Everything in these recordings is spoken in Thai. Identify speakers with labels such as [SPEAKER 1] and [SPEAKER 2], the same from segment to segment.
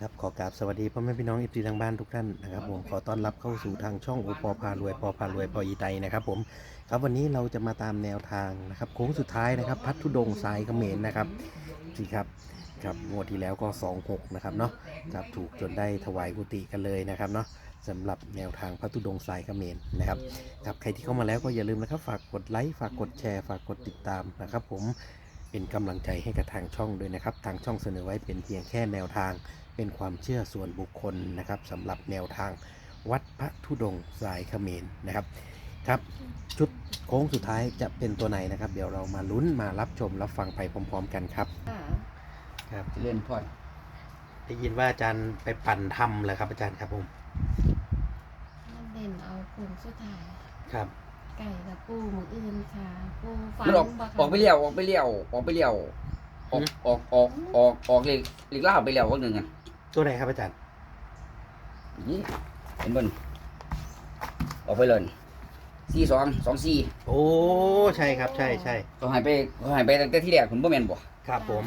[SPEAKER 1] ครับขอกราบสวัสดีพ่อแม่พี่น้องเอฟซีทางบ้านทุกท่านนะครับผมขอต้อนรับเข้าสู่ทางช่องโอปอพารวยปอพารวยปออีไตนะครับผมครับวันนี้เราจะมาตามแนวทางนะครับโค้งสุดท้ายนะครับพัทธุดงค์สายเขมรนะครับที่ครับงวดที่แล้วก็26นะครับเนาะครับถูกจนได้ถวายกุฏิกันเลยนะครับเนาะสำหรับแนวทางพัทธุดงค์สายเขมรนะครับครับใครที่เข้ามาแล้วก็อย่าลืมนะครับฝากกดไลค์ฝากกดแชร์ฝากกดติดตามนะครับผมเป็นกำลังใจให้กับทางช่องด้วยนะครับทางช่องเสนอไว้เป็นเพียงแค่แนวทางเป็นความเชื่อส่วนบุคคลนะครับสำหรับแนวทางวัดพระธุดงค์สายเขมรนะครับครับชุดโค้งสุดท้ายจะเป็นตัวไหนนะครับเดี๋ยวเรามาลุ้นมารับชมรับฟังไปพร้อมๆกันครับครับ
[SPEAKER 2] เล่นพอด
[SPEAKER 1] ได้ยินว่าอาจารย์ไปปั่นทำเหรอครับอาจารย์ครับผม
[SPEAKER 3] มันเด่นเอาผลสุดท้าย
[SPEAKER 1] ครับ
[SPEAKER 3] ไก่กับปูหมูอื่นค่ะปูฝัน
[SPEAKER 2] มันออก
[SPEAKER 3] บ่ค่ะ
[SPEAKER 2] ออกไปเลี้ยวออกไปเลี้ยวออกไปเลี้ยวออกเล็กล่าไปเลี้ยววันหนึ่งอ่ะ
[SPEAKER 1] ตัวไหนครับอาจารย์
[SPEAKER 2] นี่เห็นบนออกไปเลย4224
[SPEAKER 1] โอ้ใช่ครับใช่ใช่
[SPEAKER 2] เขาหายไปตั้งแต่ที่แรกผมบ่แม่นบ่
[SPEAKER 1] ครับผม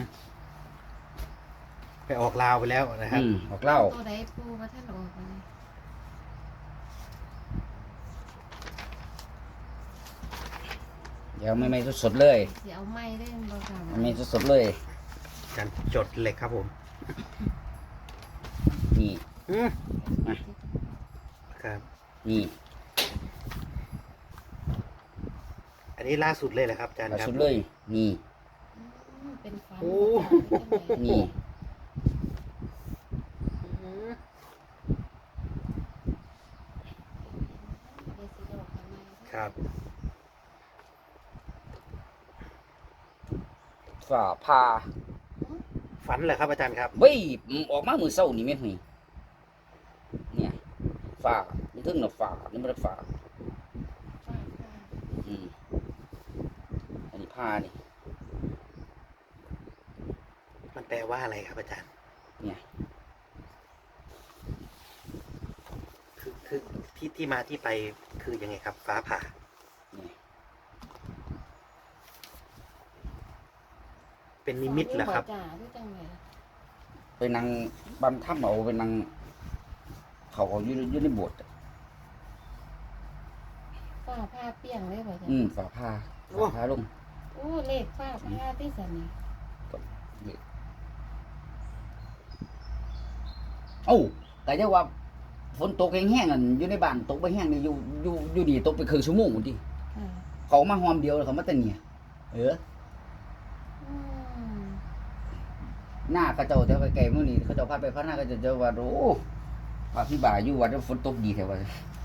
[SPEAKER 1] ไปออกลาวไปแล้วนะครับ
[SPEAKER 2] ออกเล่า
[SPEAKER 3] ตัวใดปูว่าท่านออกมาเลย
[SPEAKER 2] เดี๋ยวไม่สดๆเลย
[SPEAKER 3] สิเอาไม้เล่นบ่ค่ะ
[SPEAKER 2] ไม่สดๆเลย
[SPEAKER 1] อาจารย์จดเลยครับผม
[SPEAKER 2] นี่
[SPEAKER 1] อืมครับ
[SPEAKER 2] นี่
[SPEAKER 1] อันนี้ล่าสุดเลยแหละครับอาจารย์
[SPEAKER 2] ล่า
[SPEAKER 1] ครับ
[SPEAKER 2] สุดเลยนี่
[SPEAKER 3] เป็นฝัน
[SPEAKER 1] โอ้
[SPEAKER 2] นี่
[SPEAKER 1] อืม ครับ
[SPEAKER 2] ฝ่าพา
[SPEAKER 1] ฝันเหรอครับอาจารย์ครับ
[SPEAKER 2] เว้ยออกมามื้อเช้านี่แม่นหยเนี่ยฝ่ามันถึงน่ะฝ่านี่บ่ได้ฝ่าอันนี้ผ้านี่
[SPEAKER 1] มันแปลว่าอะไรครับอาจารย์
[SPEAKER 2] เนี่ย
[SPEAKER 1] คือที่มาที่ไปคือยังไงครับ ฟ้าผ่า
[SPEAKER 2] เนี่ย
[SPEAKER 1] เป็นนิมิตเหรอครับ
[SPEAKER 3] จ่าด้วยจังเลย
[SPEAKER 2] ไปนั่งบำถ้ำเอาไปนั่งเขาอยู่ในโบสถ์อะ
[SPEAKER 3] ฝ้าผ้าเปียงเลยบ่จ้ะ
[SPEAKER 2] ฝาผ้า
[SPEAKER 1] โอ้
[SPEAKER 2] ฝาผ้าลง
[SPEAKER 3] โอ้เลขฝ้าผ้าที่สันนี่
[SPEAKER 2] เอ้าแต่จะว่าฝนตกแห้งๆอันอยู่ในบ้านตกไปแห้งนี่อยู่ดีตกไปครึ่งชั่วโมงพุ่นดิ
[SPEAKER 3] ค่ะ
[SPEAKER 2] เขามาหอมเดียวแล้วเขามาแต่เนี่ยเออ
[SPEAKER 3] อืม
[SPEAKER 2] หน้าเขาเจ้าแถวไกลๆมื้อนี้เขาเจ้าพาไปพาหน้าเขาเจ้าว่าโอ้พระพี่บ่าอยู่วัดแล้วฝนตกดีแท้ว่า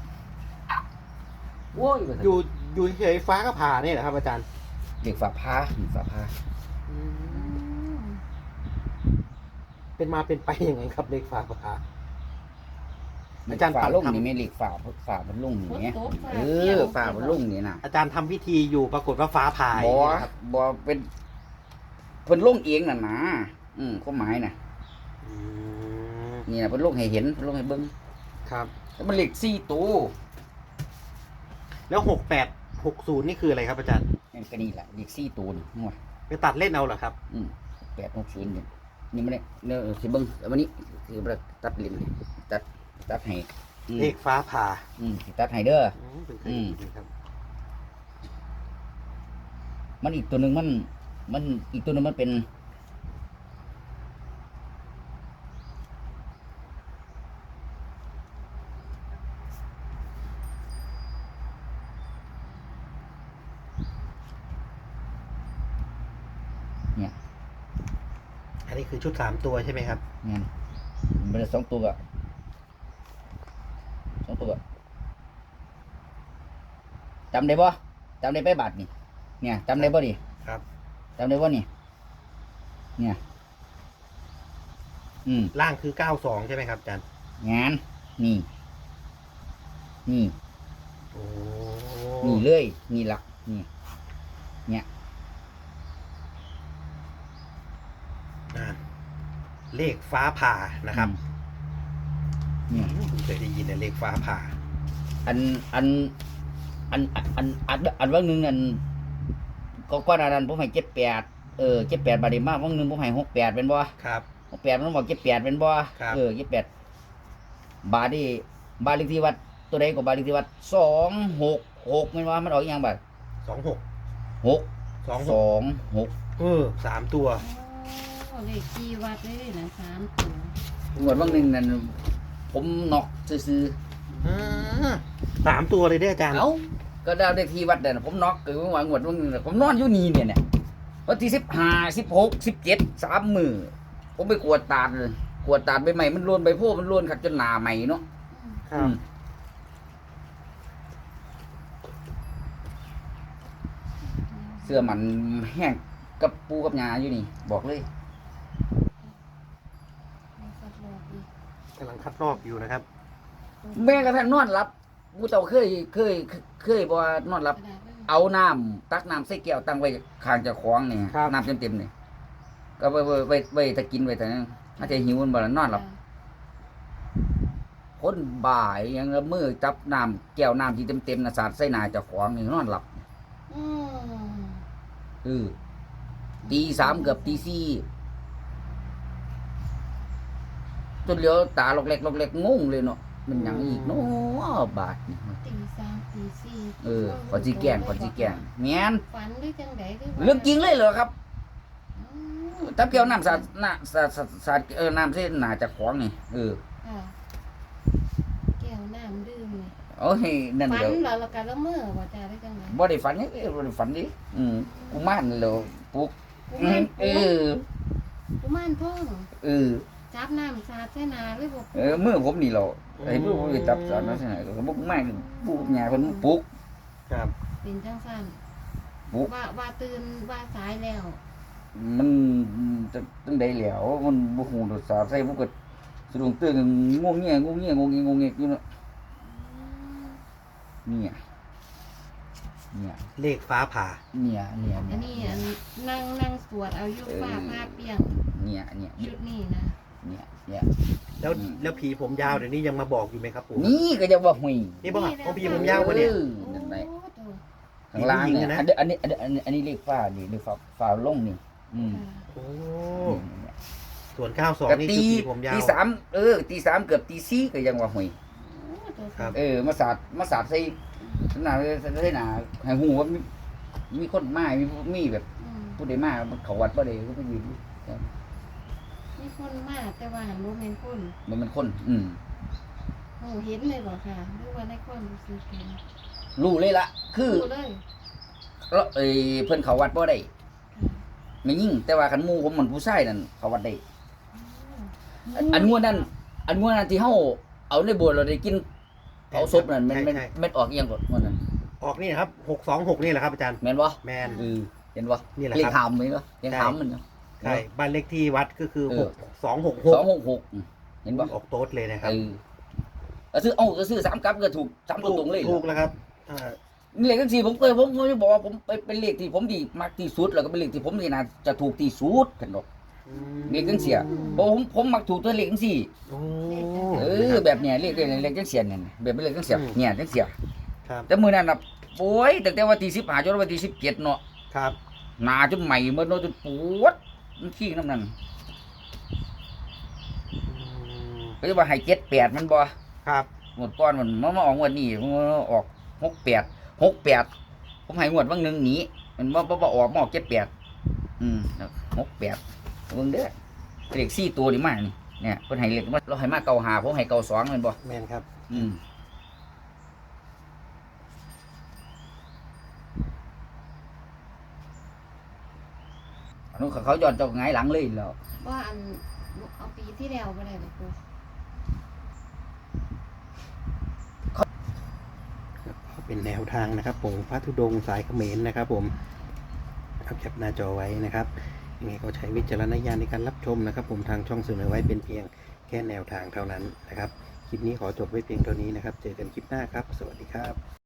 [SPEAKER 2] โอ้ยว่าซั่น
[SPEAKER 1] อยู่เฉยๆฟ้าก็ผ่าเนี่ยเหรอครับอาจารย์
[SPEAKER 2] เด็กฝาผ้าฝาผ้า
[SPEAKER 3] อืม
[SPEAKER 1] เป็นมาเป็นไปยังไงครับเลขฟ้าผ่า
[SPEAKER 2] อา
[SPEAKER 1] อา
[SPEAKER 2] จา
[SPEAKER 1] จาร รย์
[SPEAKER 2] ย์ฝาลง
[SPEAKER 1] ทำ
[SPEAKER 2] นี่แม่เล็กฝามันลง
[SPEAKER 3] ฝ
[SPEAKER 2] นี่
[SPEAKER 3] น
[SPEAKER 2] แหม
[SPEAKER 3] ตกฟ้า
[SPEAKER 2] เอ
[SPEAKER 3] เปียง
[SPEAKER 2] อฝามันลงนี่น่ะ
[SPEAKER 1] อาจารย์ทำพิธีอยู่ปรากฏว่าฟ้าผ่า
[SPEAKER 2] บ่
[SPEAKER 1] อย่างนี้นะครับ
[SPEAKER 2] บ่เป็นเพิ่นลงเองน่ะนะความหมายน่ะ
[SPEAKER 1] อืม
[SPEAKER 2] นี่น่ะเพิ่นลงให้เห็นเพิ่นลงให้เบิ่ง
[SPEAKER 1] ครับ
[SPEAKER 2] แล้วมันเลข4ตัว
[SPEAKER 1] แล้ว6860นี่คืออะไรครับอาจารย์
[SPEAKER 2] นี่ก็นี่แหละเลข4ตัวนี่งัว
[SPEAKER 1] ไปตัดเล่นเอาเหรอครับ
[SPEAKER 2] 860นี่มันเนี่ยสิเบิ่งแล้ววันนี้คือบ่ได้ตัดลิ้นตัดให้
[SPEAKER 1] เลขฟ้าผ่า
[SPEAKER 2] สิตัดให้เด้อ
[SPEAKER 1] เป็นเคยได้ยินครับ
[SPEAKER 2] มันอีกตัวหนึงมันอีกตัวหนึงมันเป็นเนี่ย
[SPEAKER 1] อันนี้คือชุด3ตัวใช่ไหมครับ
[SPEAKER 2] งั้นมันเป็น2ตัวจำได้บ่จำได้ไปบาทนี่เนี่ยจำได้บ่ดิ
[SPEAKER 1] ครับ
[SPEAKER 2] จำได้บ่นี่เนี่ย
[SPEAKER 1] ล่างคือ92ใช่ไหมครับอาจารย์
[SPEAKER 2] งานนี่
[SPEAKER 1] โอ้
[SPEAKER 2] นี่เลยนี่หลักนี่เนี่ย
[SPEAKER 1] อ่าเลขฟ้าผ่านะครับ
[SPEAKER 2] เนี่ย
[SPEAKER 1] ผมเคยได้ยินในเลขฟ้าผ่า
[SPEAKER 2] อันว่างหนึงอันก็อันนั้นผมให้78 78บาทได้มาว่างหนึงผมให้68เป็นบ่
[SPEAKER 1] ครับ
[SPEAKER 2] 68มันบอก78เป็นบ่
[SPEAKER 1] ครับ
[SPEAKER 2] 78บาทนี่บ้านเลขที่วัดตัวใดก็บ้านเลขที่วัด266แม่นว่ามันออกอีหยังบัด
[SPEAKER 1] 26
[SPEAKER 2] 6 2 6
[SPEAKER 1] 3 ตัว
[SPEAKER 3] โอ้เลขที่วัดเลยนะ3ตัว
[SPEAKER 2] งวดบางหนึงนั่นผมนอกซื่อ
[SPEAKER 1] 3 ตัวเลยเด้ออาจารย์
[SPEAKER 2] ๆเอ้าก็ได้เลขที่วัดนั่นนะผมนอกคือว่างวดบางหนึงน่ะผมนอนอยู่นี่เนี่ยวันที่15 16 17 3มื้อผมไปกวดตาดเลยกวดตาดใบใหม่มันล้วนใบโพมันล้วนคักจนหน้าใหม่เนาะ
[SPEAKER 1] ครับ
[SPEAKER 2] เสื้อมันแห้งกับปูกับยาอยู่นี่บอกเลย
[SPEAKER 1] กำลังคัดลอกอยู่นะครับ
[SPEAKER 2] แม่กระทั่งนอนหลับกูเจ้าเคยบ่ว่านอนหลับ เอาน้ำตักน้ำใส่แก้วตั้งไว้ข้างเจ้าของนี่
[SPEAKER 1] ครับ
[SPEAKER 2] น้ำเต็มๆนี่ก็ไว้ถ้ากินไว้แต่นั้นอาจจะหิวมันบ่ล่ะนอนหลับคนบ่ายยังละมือจับน้ำแก้วน้ำที่เต็มๆน่ะสาดใส่หน้าเจ้าของนี่นอนหลับ
[SPEAKER 3] อืม
[SPEAKER 2] ตีสามเกือบตีสี่จนเหลียวตาลอกเล็กงงเลยเนาะมันหยังอีกเนาะบาดนี่
[SPEAKER 3] ตี3ตี4
[SPEAKER 2] ก่อนสิแกล้งแม่น
[SPEAKER 3] ฝันหรือจังไดหรือว่า
[SPEAKER 2] เรื่องจริงเลยเหรอครับ
[SPEAKER 3] อืม
[SPEAKER 2] ถ้าเกี่ยวน้ำสาดน้ำเส้นหนาจากของนี่
[SPEAKER 3] ค่ะแก้วน้ำดื่มนี่
[SPEAKER 2] โอ้ยนั่น
[SPEAKER 3] ฝัน
[SPEAKER 2] เดี๋ยว
[SPEAKER 3] แล้วก็ละเมอบ่จ้าได้จังได
[SPEAKER 2] บ่ได้ฝันนี่บ่ได้ฝันดิกูมานแล้วปลุก
[SPEAKER 3] กุมาร
[SPEAKER 2] เออ
[SPEAKER 3] กุมารทอง
[SPEAKER 2] เออ
[SPEAKER 3] จับน้ำสาดใส่หนาเลยบ่
[SPEAKER 2] มือผมนี่เหรอไอ้มือผมไปจับสารนั่นใช่ไหมก็บ่มากปลุกหญ้าเพิ่นปลุก
[SPEAKER 1] ครับ
[SPEAKER 3] เป็นจังซั่น
[SPEAKER 2] ปลุก
[SPEAKER 3] ว่าตื่นว่าสายแล้ว
[SPEAKER 2] มันจะจังได๋แล้วมันบ่ฮู้ดอกสารใส่บ่ก็สะดุ้งตื่นงงเงี้ยอยู่เนาะ
[SPEAKER 3] อืม
[SPEAKER 2] เนี่ย
[SPEAKER 1] เลขฟ้าผ่า
[SPEAKER 3] อันนี้นั่งสวดเอาอยู่ฟ้าผ้าเปียง
[SPEAKER 2] เนี่ย
[SPEAKER 3] ชุดนี้นะ
[SPEAKER 1] แล้วผีผมยาวเดี๋ยวนี้ยังมาบอกอยู่ไหมครับปู่
[SPEAKER 2] นี่ก็จะว่าหุย
[SPEAKER 1] นี่บอกเอาผีผมยาวกว่าเนี่ย
[SPEAKER 2] นั่นแหละ
[SPEAKER 3] โอ้โต
[SPEAKER 2] ข้างล่างเนี่ย
[SPEAKER 1] ผีผู้หญิงนะ
[SPEAKER 2] อันนี้เลขฟ้านี่เลขฟ้าลงนี่
[SPEAKER 3] ค่ะ
[SPEAKER 1] โอ้
[SPEAKER 2] นี่
[SPEAKER 1] ส่วน
[SPEAKER 2] ก็
[SPEAKER 1] 92 นี่
[SPEAKER 2] ตี
[SPEAKER 1] คือผีผมยาว
[SPEAKER 2] ตีสามตีสามเกือบตีสี่ก็ยังว่าหุย
[SPEAKER 3] โอ้โต
[SPEAKER 1] ครับ
[SPEAKER 2] มาสาดใส่หน้าใส่หน้าให้หูว่ามีคนมามีแบบ
[SPEAKER 3] อืม
[SPEAKER 2] ผู้ใดมาเขาวัดบ่ได้ก็ไปยืน
[SPEAKER 3] มีคนมาแต่ว่าหันบ่แม่นคน
[SPEAKER 2] มันคน
[SPEAKER 3] โอ้เห็นเลยบ่ค่ะหรือว่าในความรู้สึกเห็น
[SPEAKER 2] รู้เลยล่ะ คือ
[SPEAKER 3] รู้เลย
[SPEAKER 2] แล้วเพิ่นเขาวัดบ่ได้
[SPEAKER 3] ค่ะ
[SPEAKER 2] ไม่ยิ่งแต่ว่าคันหมู่ผมมันผู้ชายนั่นเขาวัดได้
[SPEAKER 3] อืม
[SPEAKER 2] อันงวดนั้นที่เฮาเอาในโบสถ์เราได้กินเผาศพนั่นมันออกอีหยังก่อนงวดนั้น
[SPEAKER 1] ออกนี่นะครับ626นี่แหละครับอาจารย์
[SPEAKER 2] แม่นบ่
[SPEAKER 1] แมน
[SPEAKER 2] เห็นบ่
[SPEAKER 1] นี่แหละ
[SPEAKER 2] เล
[SPEAKER 1] ค
[SPEAKER 2] ข
[SPEAKER 1] รับ
[SPEAKER 2] หามมั้ยบ่ยังหามมันเนาะ
[SPEAKER 1] ใช่บ้านเลขที่วัดก็คือ 6266
[SPEAKER 2] 266เห็นบ่
[SPEAKER 1] ออกโต๊ดเลยนะครับ
[SPEAKER 2] ก็ซื้อ3กับก็ถูก3ตัวตรงเลย
[SPEAKER 1] ถูกแล้วครับอ่า
[SPEAKER 2] นี่เลขจังซี่ผมจะบอกว่าผมเป็นเลขที่ผมดีมักที่สุดแล้วก็เป็นเลขที่ผมนี่น่าจะถูกที่สุดกันดอกเลขจังซี่บ่ผมมักถูกตัวเลขจังซี่
[SPEAKER 1] โอ้
[SPEAKER 2] แบบเนี้ยเลขจังซี่เนี่ยแบบเป็นเลขจังซี่เนี่ยจังซี่
[SPEAKER 1] ครับ
[SPEAKER 2] แต่มื้อนั้นน่ะโอ้ยตั้งแต่วันที่15จนวันที่17เนาะ
[SPEAKER 1] ครับ
[SPEAKER 2] หน้าจนใหม่หมดเนาะจนปวดมันขี้น้ำนั่น ก็จะว่าให้78มันบ่
[SPEAKER 1] ครับ
[SPEAKER 2] งวดก่อนมันมาออกงวดนี้มันออก68ผมให้งวดบางหนึงหนีมันบ่ออกมาออก7868เบิ่งเด้อเลข4ตัวนี่มานี่เนี่ยเพิ่นให้เลขมาเราให้มา95ผมให้92แม่นบ่
[SPEAKER 1] แมนครับ
[SPEAKER 2] อันนู้นเขาย้อนเจ้าหงายหลังเลยแล้ว
[SPEAKER 3] ว่าอันเอาปีที่แล้วบ่ได้บ่ครู
[SPEAKER 1] เป็นแนวทางนะครับผมพระธุดงค์สายเขมรนะครับผมเอาแคปหน้าจอไว้นะครับยังไงก็ใช้วิจารณญาณในการรับชมนะครับ ผมทางช่องเสนอไว้เป็นเพียงแค่แนวทางเท่านั้นนะครับคลิปนี้ขอจบไว้เพียงเท่านี้นะครับ เจอกันคลิปหน้าครับ สวัสดีครับ